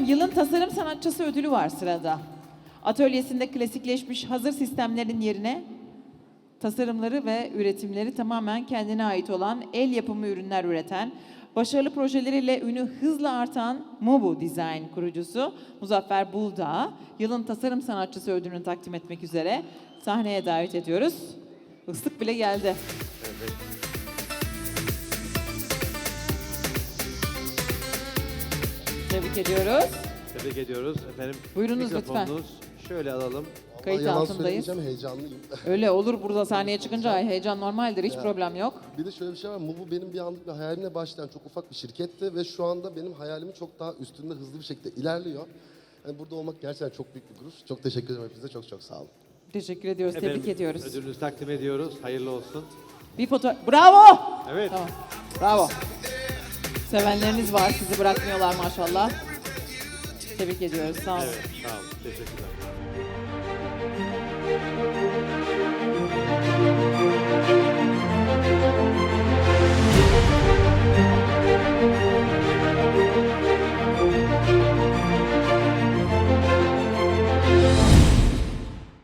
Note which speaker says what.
Speaker 1: yılın tasarım sanatçısı ödülü var sırada. Atölyesinde klasikleşmiş hazır sistemlerin yerine tasarımları ve üretimleri tamamen kendine ait olan el yapımı ürünler üreten, başarılı projeleriyle ünü hızla artan Mobu Design kurucusu Muzaffer Buldağ, yılın tasarım sanatçısı ödülünü takdim etmek üzere sahneye davet ediyoruz. Islık bile geldi.
Speaker 2: Evet.
Speaker 1: Tebrik ediyoruz.
Speaker 2: Tebrik ediyoruz. Efendim,
Speaker 1: Buyurunuz
Speaker 2: mikrofonunuz şöyle alalım.
Speaker 1: Kayıt
Speaker 3: Yalan
Speaker 1: altındayız.
Speaker 3: söylemeyeceğim, heyecanlıyım.
Speaker 1: Öyle olur, burada sahneye çıkınca heyecan normaldir, hiç problem yok.
Speaker 3: Bir de şöyle bir şey var, Mubu benim bir anlık bir hayalimle başlayan çok ufak bir şirketti ve şu anda benim hayalimin çok daha üstünde hızlı bir şekilde ilerliyor. Yani burada olmak gerçekten çok büyük bir gurur. Çok teşekkür ederim hepinize, çok çok sağ olun.
Speaker 1: Teşekkür ediyoruz, tebrik ediyoruz.
Speaker 2: Ödülünüzü takdim ediyoruz. Hayırlı olsun.
Speaker 1: Bir foto... Bravo!
Speaker 2: Evet.
Speaker 1: Tamam, bravo. Sevenleriniz var, sizi bırakmıyorlar maşallah. Tebrik ediyoruz, sağ olun.
Speaker 2: Evet, sağ olun. Teşekkürler.